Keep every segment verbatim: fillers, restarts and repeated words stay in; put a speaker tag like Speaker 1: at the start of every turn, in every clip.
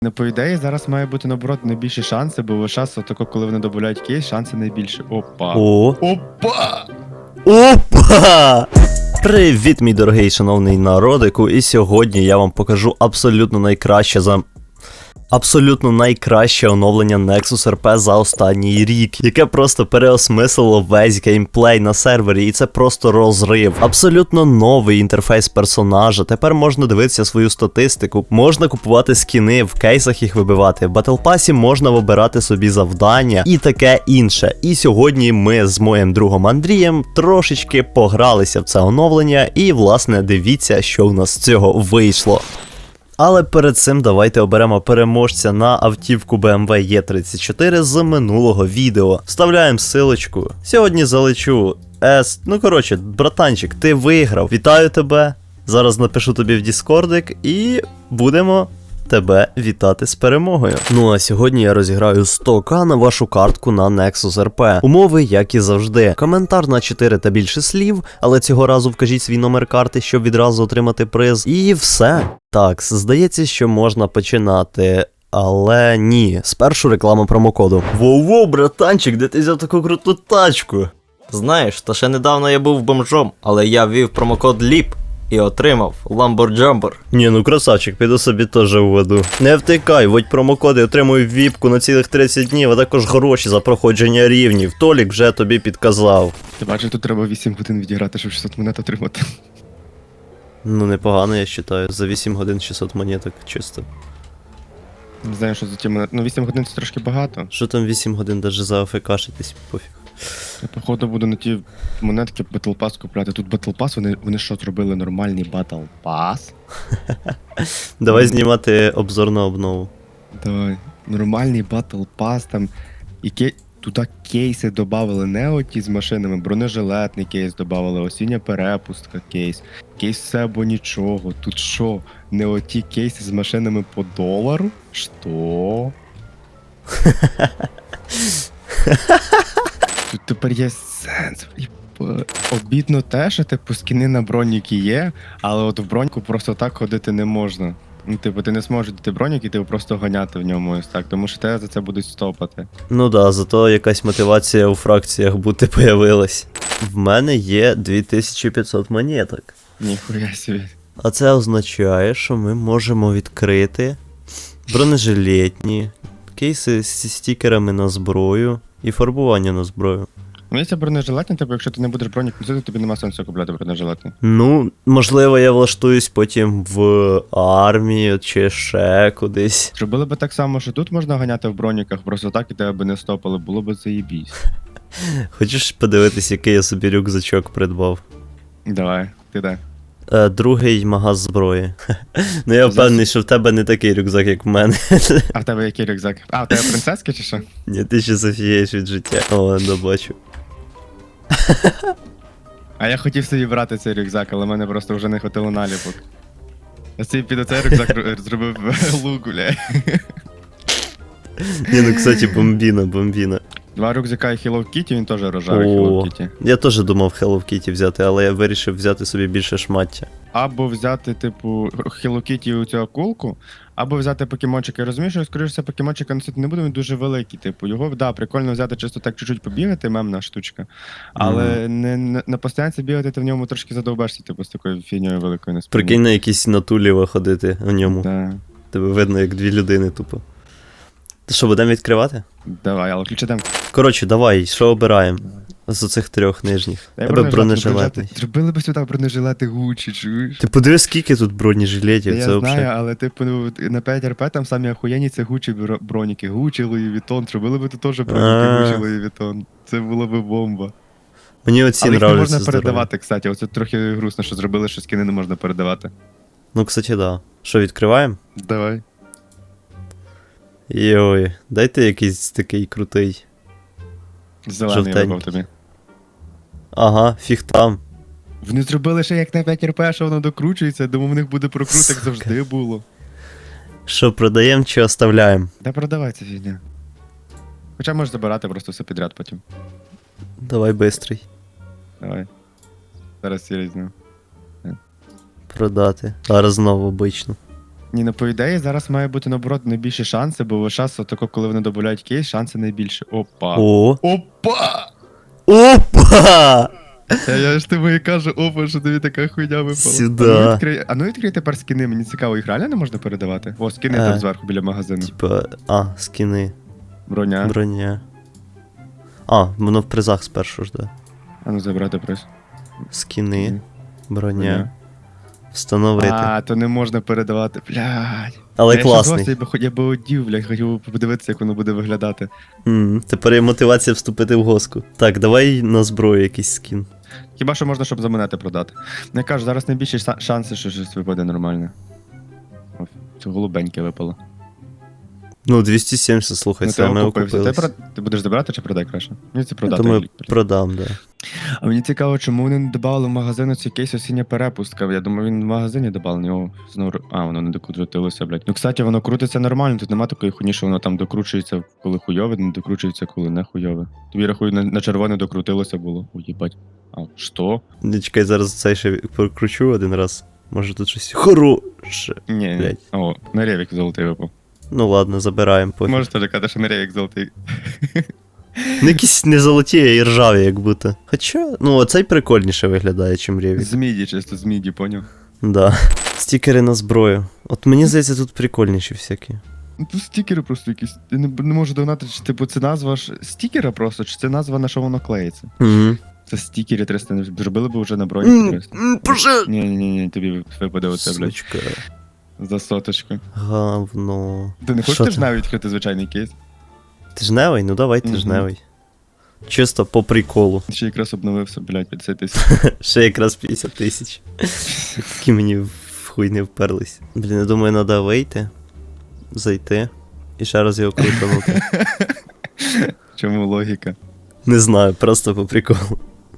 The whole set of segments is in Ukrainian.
Speaker 1: Ну, по ідеї, зараз має бути, наоборот, найбільші шанси, бо весь час, отако, коли вони додають кейс, шанси найбільші. Опа.
Speaker 2: О!
Speaker 1: Опа!
Speaker 2: Опа! Привіт, мій дорогий шановний народику, і сьогодні я вам покажу абсолютно найкраще за... Абсолютно найкраще оновлення Nexus ар пі за останній рік, яке просто переосмислило весь геймплей на сервері, і це просто розрив. Абсолютно новий інтерфейс персонажа, тепер можна дивитися свою статистику, можна купувати скіни, в кейсах їх вибивати, в Battle Pass можна вибирати собі завдання і таке інше. І сьогодні ми з моїм другом Андрієм трошечки погралися в це оновлення, і власне дивіться, що в нас з цього вийшло. Але перед цим давайте оберемо переможця на автівку бі ем ве і тридцять чотири з минулого відео. Вставляємо ссылочку. Сьогодні залечу С. Ну коротше, братанчик, ти виграв. Вітаю тебе. Зараз напишу тобі в Діскордик і будемо тебе вітати з перемогою. Ну а сьогодні я розіграю сто ка на вашу картку на Nexus ар пі. Умови, як і завжди. Коментар на чотири та більше слів, але цього разу вкажіть свій номер карти, щоб відразу отримати приз. І все. Так, здається, що можна починати. Але ні, спершу реклама промокоду. Воу-воу, братанчик, де ти взяв таку круту тачку?
Speaker 3: Знаєш, то ще недавно я був бомжом, але я ввів промокод ліп і отримав Lamborghini.
Speaker 2: Ні, ну красавчик, піду собі теж введу. Не втикай, вводь промокоди, отримуй віпку на цілих тридцять днів, а також гроші за проходження рівнів. Толік вже тобі підказав.
Speaker 1: Ти бачиш, тут треба вісім годин відіграти, щоб шістсот монет отримати.
Speaker 2: Ну непогано, я вважаю. За вісім годин шістсот монеток чисто.
Speaker 1: Не знаю, що за ті монети. Ну, вісім годин це трошки багато.
Speaker 2: Що там вісім годин, даже за АФКшитись, пофіг.
Speaker 1: Я, походу, буду на ті монетки Battle Pass купляти. Тут Battle Pass, вони, вони що, зробили нормальний Battle Pass?
Speaker 2: Давай знімати обзор на обнову.
Speaker 1: Давай. Нормальний Battle Pass, там. І кей... Туди кейси додавали, не оті з машинами, бронежилетний кейс додавали, осіння перепустка кейс, кейс все або нічого. Тут що, не оті кейси з машинами по долару? Що? Тут тепер є сенс. Єба. Обідно те, що типу скіни на броніки є, але от в броньку просто так ходити не можна. Ну, типу, ти не зможеш дати бронік і ти просто ганяти в ньому ось так, тому що тебе за це будуть стопати.
Speaker 2: Ну да, зато якась мотивація у фракціях бути появилась. В мене є дві тисячі п'ятсот монеток.
Speaker 1: Ніхуя собі.
Speaker 2: А це означає, що ми можемо відкрити бронежилетні, кейси зі стікерами на зброю і фарбування на зброю.
Speaker 1: Мені це бронежилетні, типу, якщо ти не будеш бронік носити, тобі нема сенсу купляти бронежилетні.
Speaker 2: Ну, можливо, я влаштуюсь потім в армію чи ще кудись.
Speaker 1: Зробили би так само, що тут можна ганяти в броніках, просто так і тебе би не стопали, було б заєбісь.
Speaker 2: Хочеш подивитись, який я собі рюкзачок придбав?
Speaker 1: Давай, ти де?
Speaker 2: Е, другий магаз зброї. Ну я впевнений, що в тебе не такий рюкзак, як в мене.
Speaker 1: А в тебе який рюкзак? А, в тебе принцески чи що?
Speaker 2: Ні, ти ще зафієш від життя. О, ладно, бачу.
Speaker 1: А я хотів собі брати цей рюкзак, але в мене просто вже не хватило наліпок. Я собі під оцей рюкзак ру- зробив лук, бля.
Speaker 2: Ні, ну, кстати, бомбіна, бомбіна.
Speaker 1: Два рюкзака і Hello Kitty, він теж рожевий
Speaker 2: О.
Speaker 1: Hello Kitty.
Speaker 2: Я теж думав Hello Kitty взяти, але я вирішив взяти собі більше шмаття.
Speaker 1: Або взяти, типу, Hello Kitty у цю акулку, або взяти покемончика. Я розумію, що, скоріше все, покемончика носити не буду, він дуже великий. Типу, його, да, прикольно взяти чисто так чуть-чуть побігати, мемна штучка. Але
Speaker 2: Мгм.
Speaker 1: не, не, на постоянці бігати ти в ньому трошки задовбешся, типу, з такою фігньою великою на спині.
Speaker 2: Прикинь на якісь натуліва ходити у ньому.
Speaker 1: Да.
Speaker 2: Тебе видно, як дві людини тупо. Ти що, будемо відкривати?
Speaker 1: Давай, але ключі дамо.
Speaker 2: Коротше, давай, що обираємо? З оцих трьох нижніх. Тебе бронежилетний.
Speaker 1: Зробили би сюди бронежилети Гуччі, чуєш?
Speaker 2: Ти подивись, скільки тут бронежилетів,
Speaker 1: Та
Speaker 2: це
Speaker 1: я
Speaker 2: взагалі.
Speaker 1: знаю, але типу ну, на п'ять ар пі там самі охуєнні це Гуччі бро- броніки. Гуччі, Луї Вітон, зробили би тут теж броніки
Speaker 2: А.
Speaker 1: Гуччі, Луї Вітон. Це було би бомба.
Speaker 2: Мені оці
Speaker 1: Але їх не
Speaker 2: нравляться.
Speaker 1: можна
Speaker 2: здорові.
Speaker 1: передавати, кстати. Оце трохи грустно, що зробили, що скини не можна передавати.
Speaker 2: Ну, кстати, да. Що, відкриваємо?
Speaker 1: Давай.
Speaker 2: Йой, дайте якийсь такий крутий.
Speaker 1: Зелений я
Speaker 2: Жовтенький.
Speaker 1: вибрав тобі.
Speaker 2: Ага, фіг там.
Speaker 1: Вони зробили ще як на п'ять ар пі, що воно докручується, думаю, в них буде прокрут, як
Speaker 2: Сука.
Speaker 1: завжди було.
Speaker 2: Що, продаємо чи оставляємо?
Speaker 1: Та продавай ця фігня. Хоча можеш забирати просто все підряд потім.
Speaker 2: Давай бистрий.
Speaker 1: Давай. Зараз сірий знову.
Speaker 2: Продати. Зараз знову обично.
Speaker 1: Ні, ну по ідеї зараз має бути наоборот найбільші шанси, бо весь час, отако, коли вони додають кейс, шанси найбільші. Опа.
Speaker 2: О!
Speaker 1: Опа!
Speaker 2: Опа!
Speaker 1: Я, я ж тобі і кажу, опа, що тобі така хуйня випала.
Speaker 2: Сюда.
Speaker 1: А ну відкрий, а ну відкрий тепер скини, мені цікаво, їх реально не можна передавати? О, скини
Speaker 2: Е.
Speaker 1: там зверху біля магазину.
Speaker 2: Типа, а, скини,
Speaker 1: Броня.
Speaker 2: броня. А, воно в призах спершу ж, да.
Speaker 1: А ну забрати приз.
Speaker 2: Скини, броня.
Speaker 1: Броня.
Speaker 2: Встановити.
Speaker 1: А, то не можна передавати, блядь.
Speaker 2: Але
Speaker 1: я
Speaker 2: класний.
Speaker 1: Я би, хоч- я би одів, блядь, хотів би подивитися, як воно буде виглядати.
Speaker 2: М, Тепер є мотивація вступити в госку. Так, давай на зброю якийсь скін.
Speaker 1: Хіба що можна, щоб за монети продати. Ну, я кажу, зараз найбільші ша- шанси, що щось випаде нормальне. О, це голубеньке випало.
Speaker 2: Ну, двісті сімдесят, слухай,
Speaker 1: Ну,
Speaker 2: це ми
Speaker 1: окупився.
Speaker 2: окупились.
Speaker 1: Ти, про- ти будеш забирати чи продай краще? Мені це
Speaker 2: Я
Speaker 1: продати.
Speaker 2: думаю,
Speaker 1: Лік.
Speaker 2: продам, да.
Speaker 1: А мені цікаво, чому вони не додали в магазин цей кейс осіння перепустка. Я думаю, він в магазині додав, його знову. А, воно не докрутилося, блядь. Ну, кстати, воно крутиться нормально, тут нема такої хуйні, що воно там докручується, коли хуйове, не докручується, коли не хуйове. Тобі рахую, на, на червоне докрутилося було. Ой, їбать. А, що?
Speaker 2: Не чекай, зараз цей ще прокручу один раз. Може тут щось хороше.
Speaker 1: Ні, ні.
Speaker 2: Блядь.
Speaker 1: О, на ревік золотий випав.
Speaker 2: Ну ладно, забираємо пофіг.
Speaker 1: Можеш теж казати, що на ревік золотий.
Speaker 2: Ну якісь не золоті, а і ржаві, як будто. Хоча, ну оцей прикольніше виглядає, чим Ревік.
Speaker 1: З міді, чисто з міді, поняв?
Speaker 2: Да. Стікери на зброю. От мені здається, тут прикольніші всякі.
Speaker 1: Ну тут стікери просто якісь. Я не, не можу догнати, чи типу це назва ж стікера просто, чи це назва на що воно клеїться.
Speaker 2: Угу.
Speaker 1: Це стікери триста, не зробили б вже на броні триста. Ні, ні, ні, ні, тобі випаде оце, блядь,
Speaker 2: Сучка.
Speaker 1: за соточку.
Speaker 2: Говно.
Speaker 1: Ти не
Speaker 2: Що
Speaker 1: хочеш
Speaker 2: там?
Speaker 1: навіть відкрити звичайний кейс?
Speaker 2: Тижневий? Ну давай
Speaker 1: Мгм.
Speaker 2: тижневий. Чисто по приколу.
Speaker 1: Ще якраз обновився, блядь, п'ятдесят тисяч.
Speaker 2: Ще якраз п'ятдесят тисяч. Які мені в хуй не вперлись. Блін, я думаю, треба вийти, зайти і ще раз його крутанути.
Speaker 1: Чому логіка?
Speaker 2: Не знаю, просто по приколу.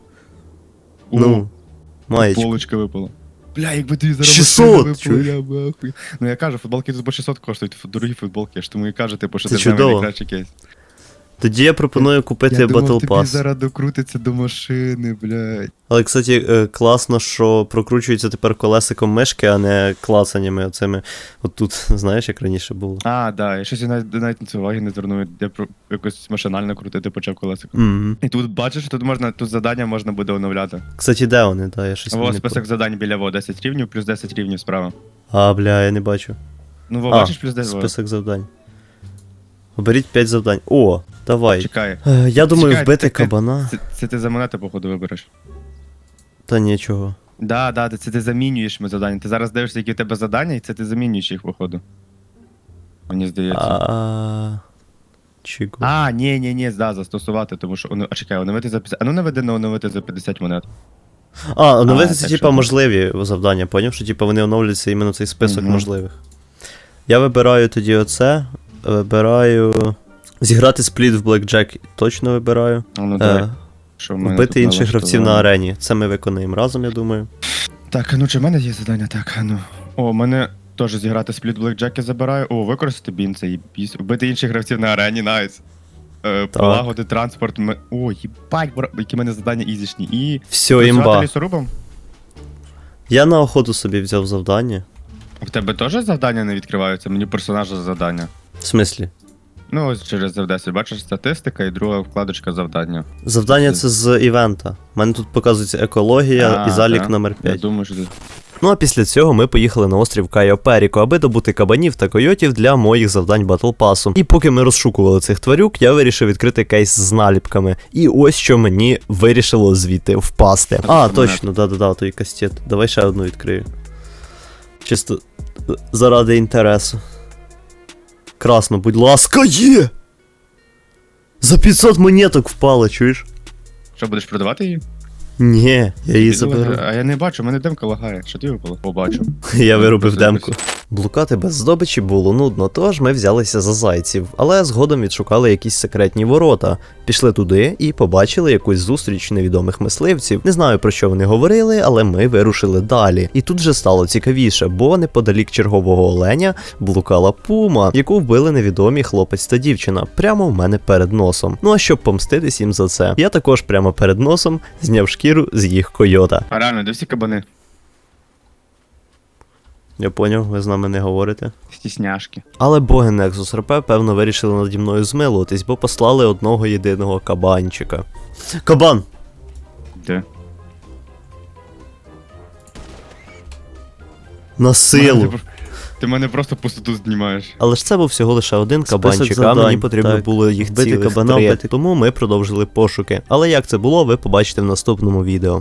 Speaker 2: Ну, маєчку.
Speaker 1: Полочка випала. Бля, якби тобі зараз
Speaker 2: шістсот,
Speaker 1: машина випала,
Speaker 2: чуєш?
Speaker 1: я б ахуй. Ну я кажу, футболки тут по шістсот коштують, фу- дорогі футболки, я ж тому і кажу, типу, що
Speaker 2: Це
Speaker 1: ти самий
Speaker 2: чудово.
Speaker 1: найкращий кейс.
Speaker 2: Тоді я пропоную купити
Speaker 1: Я думав,
Speaker 2: Battle
Speaker 1: тобі
Speaker 2: Pass.
Speaker 1: зараз докрутиться до машини, блядь.
Speaker 2: Але, кстати, е, класно, що прокручується тепер колесиком мишки, а не клацаннями оцими. От тут, знаєш, як раніше було.
Speaker 1: А, да, я щось я навіть, навіть на це уваги не звернув, я про якось машинально крутити почав колесико.
Speaker 2: Мгм.
Speaker 1: І тут бачиш, тут можна, тут завдання можна буде оновляти.
Speaker 2: Кстати, де вони? Да, я щось
Speaker 1: Во,
Speaker 2: не
Speaker 1: список завдань біля во, десять рівнів, плюс десять рівнів справа.
Speaker 2: по- А, бля, я не бачу.
Speaker 1: Ну, во,
Speaker 2: А,
Speaker 1: бачиш, плюс десять. во.
Speaker 2: Список завдань. Оберіть п'ять завдань. О, давай.
Speaker 1: Чекай.
Speaker 2: Е, Я думаю,
Speaker 1: Чекай,
Speaker 2: вбити
Speaker 1: ти- ти-
Speaker 2: кабана.
Speaker 1: Це, це ти за монети, походу, вибереш.
Speaker 2: Та нічого.
Speaker 1: Да, да, це ти замінюєш ми завдання. Ти зараз дивишся, які у тебе завдання, і це ти замінюєш їх, походу. Мені здається.
Speaker 2: А. Чого?
Speaker 1: А, ні, ні, ні, да, застосувати, тому що. оно- А чекай, оновити за п'ятдесят. А ну наведи на оновити за п'ятдесят монет.
Speaker 2: А, оновити
Speaker 1: А,
Speaker 2: це
Speaker 1: так
Speaker 2: типа
Speaker 1: що-
Speaker 2: можливі завдання, поняв? Що типа вони оновлюються іменно цей список
Speaker 1: Мгм.
Speaker 2: можливих. Я вибираю тоді оце. Вибираю. Зіграти спліт в Blackjack точно вибираю.
Speaker 1: А ну давай.
Speaker 2: Е,
Speaker 1: Що в мене
Speaker 2: Вбити
Speaker 1: тут
Speaker 2: інших гравців на
Speaker 1: налаштовано?
Speaker 2: арені. Це ми виконаємо разом, я думаю.
Speaker 1: Так, а ну чи в мене є завдання? Так, а ну. О, в мене теж зіграти спліт Blackjack я забираю. О, використати бін, це їбісь. Вбити інших гравців на арені, найс. Е, Полагодити транспорт. ме- О, їбать, бра... які в мене завдання ізішні. І.
Speaker 2: Все,
Speaker 1: працювати
Speaker 2: імба.
Speaker 1: лісорубом?
Speaker 2: Я на охоту собі взяв завдання.
Speaker 1: В тебе теж завдання не відкриваються? Мені персонажа завдання.
Speaker 2: В смислі?
Speaker 1: Ну, ось через еф десять. Бачиш статистика і друга вкладочка завдання.
Speaker 2: Завдання це з івента. У мене тут показується екологія
Speaker 1: А,
Speaker 2: і залік
Speaker 1: да?
Speaker 2: номер
Speaker 1: Я
Speaker 2: п'ять.
Speaker 1: думаю, що ти.
Speaker 2: Ну а після цього ми поїхали на острів Кайо Періко, аби добути кабанів та койотів для моїх завдань Батл Пасу. І поки ми розшукували цих тварюк, я вирішив відкрити кейс з наліпками. І ось що мені вирішило звідти впасти. А, точно, да-да-да, той кастет. Давай ще одну відкрию. Чисто е, заради інтересу. Красно, будь ласка, є! За п'ятсот монеток впало, чуєш?
Speaker 1: Що, будеш продавати її?
Speaker 2: Ні, я її
Speaker 1: Піду,
Speaker 2: заберу.
Speaker 1: А я не бачу, в мене демка лагає. Що ти випало? Побачу.
Speaker 2: Я виробив
Speaker 1: Просто
Speaker 2: демку. Блукати без здобичі було нудно, тож ми взялися за зайців, але згодом відшукали якісь секретні ворота. Пішли туди і побачили якусь зустріч невідомих мисливців. Не знаю про що вони говорили, але ми вирушили далі. І тут же стало цікавіше, бо неподалік чергового оленя блукала пума, яку вбили невідомі хлопець та дівчина, прямо в мене перед носом. Ну а щоб помститись їм за це, я також прямо перед носом зняв шкіру з їх койота.
Speaker 1: А реально, де всі кабани?
Speaker 2: Я поняв, ви з нами не говорите.
Speaker 4: Стісняшки.
Speaker 2: Але боги Nexus ар пі, певно, вирішили наді мною змилуватись, бо послали одного єдиного кабанчика. Кабан!
Speaker 4: Де?
Speaker 2: На силу!
Speaker 1: Ти, ти мене просто пустоту знімаєш.
Speaker 2: Але ж це був всього лише один
Speaker 4: Список
Speaker 2: кабанчик, а
Speaker 4: завдань,
Speaker 2: мені потрібно
Speaker 4: так.
Speaker 2: було їх
Speaker 4: Вбити
Speaker 2: цілих
Speaker 4: кабана,
Speaker 2: три.
Speaker 4: вбити-
Speaker 2: Тому ми продовжили пошуки. Але як це було, ви побачите в наступному відео.